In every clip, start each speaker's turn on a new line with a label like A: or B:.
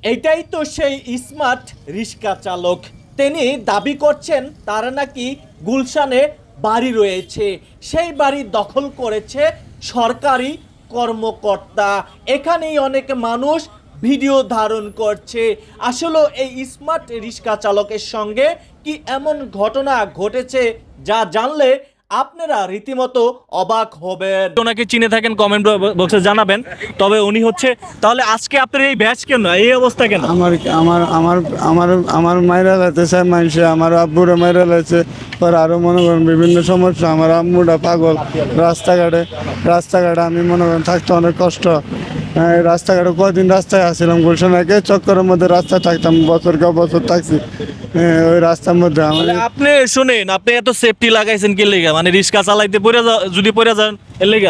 A: এটাই তো সেই স্মার্ট রিক্সা চালক। তিনি দাবি করছেন তার নাকি গুলশানে বাড়ি রয়েছে, সেই বাড়ি দখল করেছে সরকারি কর্মকর্তা। এখানেই অনেক মানুষ ভিডিও ধারণ করছে। আসলে এই স্মার্ট রিক্সা চালকের সঙ্গে কি এমন ঘটনা ঘটেছে যা জানলে আপনারা রীতিমতো অবাক হবেন।
B: ওনাকে চিনে থাকেন কমেন্ট বক্সে জানাবেন। তবে উনি হচ্ছে, তাহলে আজকে আপনার এই ব্যাচ কেন, এই অবস্থা কেন?
C: আমার আমার আমার আমার আমার মায়েরা লাগতেছে, মানুষে আমার আব্বুরা মায়েরা লাগছে, পর আরও মনে করেন বিভিন্ন সমস্যা। আমার আম্মুটা পাগল, রাস্তাঘাটে আমি মনে করেন থাকতে অনেক কষ্ট। রাস্তাঘাটে কদিন রাস্তায় আসছিলাম, গুলশান একে চক্করের মধ্যে রাস্তায় থাকতাম, বছর থাকছি ওই রাস্তার মধ্যে। আমার
B: আপনি শুনেন, আপনি এত সেফটি লাগাইছেন কি লেগা? মানে রিক্সা চালাইতে যদি পড়ে যান এর লেগা?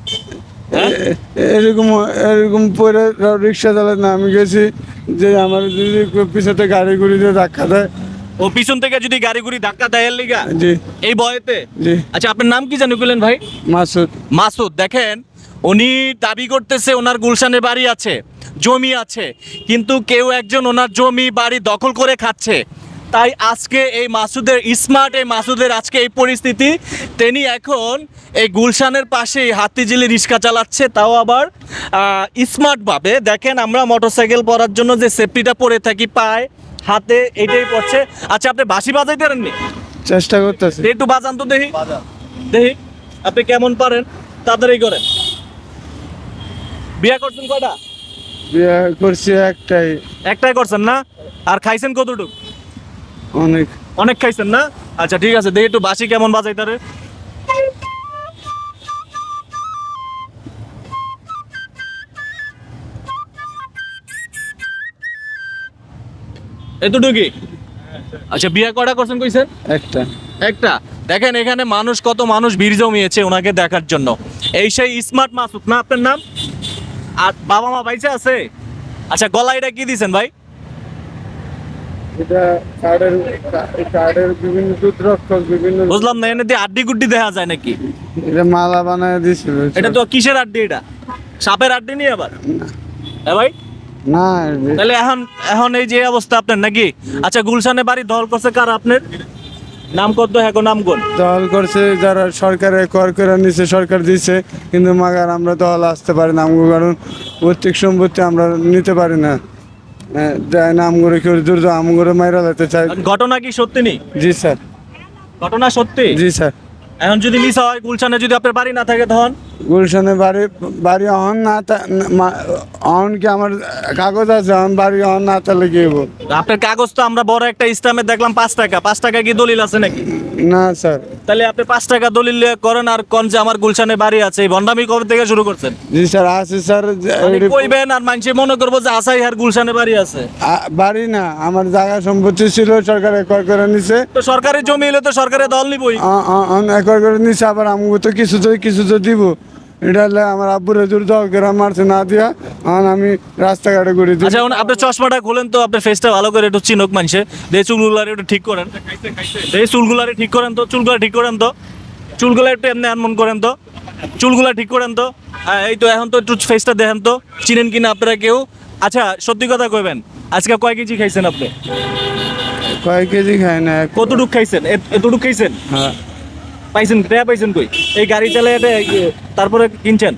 C: এরকম পরে রিক্সা চালাই না, আমি গেছি যে আমার যদি পিছাতে গাড়ি গুড়ি দিয়ে ধাক্কা দেয়।
B: ও পিছন থেকে যদি গাড়ি গুড়ি ধাক্কা দেয় এর লেগা?
C: জি
B: এই বয়েতে?
C: জি।
B: আচ্ছা, আপনার নাম কি জানি বললেন ভাই?
C: মাসুদ।
B: মাসুদ। দেখেন, উনি দাবি করতেছে ওনার গুলশানে বাড়ি আছে, জমি আছে, কিন্তু কেউ একজন ওনার জমি বাড়ি দখল করে খাচ্ছে। তাই আজকে এই মাসুদের আজকে এই পরিস্থিতি। তিনি এখন এই গুলশানের পাশেই হাতিঝিলি রিক্সা চালাচ্ছে, তাও আবার স্মার্টভাবে। দেখেন, আমরা মোটরসাইকেল পরার জন্য যে সেফটিটা পরে থাকি পায় হাতে, এটাই পড়ছে। আচ্ছা, আপনি বাঁশি বাজাইতে পারেননি?
C: চেষ্টা করতেছি।
B: একটু বাজান তো দেখি, দেখি আপনি কেমন পারেন, তাড়াতাড়ি করেন। বিয়ে করছেন কয়টা?
C: বিয়ে করছি একটাই
B: করছেন না? আর খাইছেন কতটুকু?
C: অনেক
B: অনেক খাইছেন না? আচ্ছা ঠিক আছে, দেখি একটু বাঁশি কেমন বাজাইতারে। এতটুকুই? আচ্ছা, বিয়ে কয়টা করছেন কইছেন? একটা। দেখেন, এখানে কত মানুষ ভিড় জমিয়েছে ওনাকে দেখার জন্য। এই সেই স্মার্ট মাসুদ না আপনার নাম? আর বাবা মা বাইচে আছে? আচ্ছা, গলা এটা কি দিছেন ভাই?
C: এটা কার্ডের বিভিন্ন দুধরক্ষক বিভিন্ন।
B: বুঝলাম না, এনে দিয়ে আড্ডি গুড্ডি দেখা যায় নাকি?
C: এটা মালা বানায় দিছিল।
B: এটা তো কিসের আড্ডি? এটা সাপের আড্ডি নিয়ে আবার? হ্যাঁ ভাই।
C: না
B: তাহলে এখন এই যে অবস্থা আপনার নাকি? আচ্ছা, গুলশানে বাড়ি দখল করছে কার আপনার? নাম কত? হ্যাঁ, নাম কোন?
C: দল করছে যারা সরকারে কর করে নিছে, সরকার দিছে, কিন্তু মাগার আমরা দল আসতে পারি না, আমগো কারণ পৈতৃক সম্পত্তি আমরা নিতে পারি না। দেয় না আমগরে, কেউ দূর আমগরে মাইরা যেতে চায়।
B: ঘটনা কি সত্যি নেই?
C: জি স্যার।
B: ঘটনা সত্যি?
C: জি স্যার।
B: এখন যদি মিস হয়, গুলশানে যদি আপনার বাড়ি না থাকে তখন?
C: গুলশানে বাড়ি অহন না অহন কি আমার কাগজ আছে, অহন বাড়ি অহন না তাহলে কি হবো?
B: আপনার কাগজ তো আমরা বড় একটা ইসলামে দেখলাম 5 টাকা। 5 টাকা কি দলিল আছে নাকি?
C: না স্যার।
B: তাহলে আপনি 5 টাকা দলিল করেন আর কোন যে আমার গুলশানে বাড়ি আছে? এই ভন্ডামি কবে থেকে শুরু করছেন?
C: জি স্যার আছে স্যার।
B: কইবেন আর মানুষে মনে করবো যে আসাই আর গুলশানে বাড়ি আছে।
C: বাড়ি না, আমার জায়গা সম্পত্তি ছিল, সরকারে কর করে নিছে।
B: তো সরকারি জমি হলে তো সরকারের দল নিবই।
C: একর করে নিছে, আবার আমগো তো কিছু তো দিব। এটা হলে আমার আব্বুরে দূর দল করে মারছে না দিয়া, আমি রাস্তাঘাটে ঘুরে দিই।
B: আচ্ছা, আপনি চশমাটা খুলেন তো, আপনার ফেসটা ভালো করে একটু চিনুক মানুষে। দিয়ে চুলগুলারে একটু ঠিক করেন, চুলগুলারে ঠিক করেন তো, চুলগুলা একটু এমনি এমন করেন তো, চুলগুলা ঠিক করেন তো। হ্যাঁ, এই তো, এখন তো একটু ফেসটা দেখেন তো, চিনেন কিনা আপনারা কেউ। আচ্ছা, সত্যি কথা কইবেন, আজকে কয় কেজি খাইছেন আপনি?
C: কয় কেজি খাই না।
B: কতটুক খাইছেন? এতটুক খাইছেন?
C: হ্যাঁ।
B: পাইছেন কই? এই গাড়ি চালায় তারপরে কিনছেন?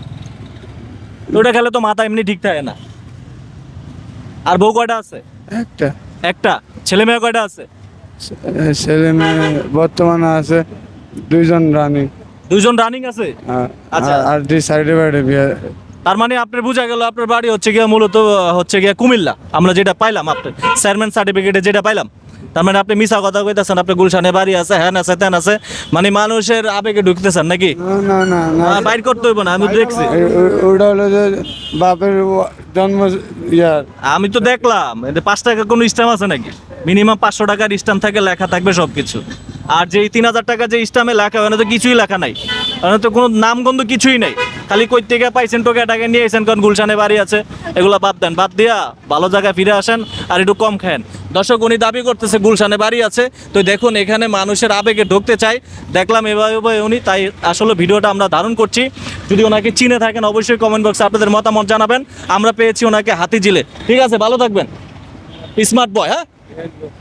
B: ওটা খেলে তো মাথা এমনি ঠিক থাকে না। আর বউ কয়টা আছে? একটা। ছেলে মেয়ে কয়টা আছে?
C: ছেলে মেয়ে বর্তমানে আছে দুইজন রানিং
B: আছে?
C: আচ্ছা। আর দুই সাইডে বাইরে বিয়ে।
B: তার মানে আপনার বোঝা গেল আপনার বাড়ি হচ্ছে গিয়া মূলত হচ্ছে গিয়া কুমিল্লা। আমরা যেটা পাইলাম আপনার চেয়ারম্যান সার্টিফিকেটে যেটা পাইলাম। তার মানে আপনি মিছা কথা কইতেছেন, আপনি গুলশানে বাড়ি আছে, হ্যান আছে, তেন আছে, মানে মানুষের আবেগে ঢুকতেছেন নাকি?
C: না
B: বাইর করতে হইব না, আমি দেখছি।
C: ওটা হলো যে বাপের জন্ম ইয়ার।
B: আমি তো দেখলাম 5 টাকা কোনো স্ট্যাম্প আছে নাকি? মিনিমাম 500 টাকার স্ট্যাম্প থাকে, লেখা থাকবে সবকিছু। আর যে 3000 টাকা যে স্ট্যাম্পে লেখা হয় না, তো কিছুই লেখা নাই, তো কোনো নামগন্ধ কিছুই নাই, খালি কই থেকে পাইছেন টোকে টাকা নিয়ে এসেন, কারণ গুলশানে বাড়ি আছে, এগুলো বাদ দেন, বাদ দিয়া ভালো জায়গায় ফিরে আসেন আর একটু কম খান। দর্শক, উনি দাবি করতেছে গুলশানে বাড়ি আছে। তো দেখুন এখানে মানুষের আবেগে ঢুকতে চাই, দেখলাম এভাবে উনি, তাই আসলে ভিডিওটা আমরা ধারণ করছি। যদি ওনাকে চিনে থাকেন অবশ্যই কমেন্ট বক্সে আপনাদের মতামত জানাবেন। আমরা পেয়েছি ওনাকে হাতিঝিলে। ঠিক আছে, ভালো থাকবেন, স্মার্ট বয়। হ্যাঁ।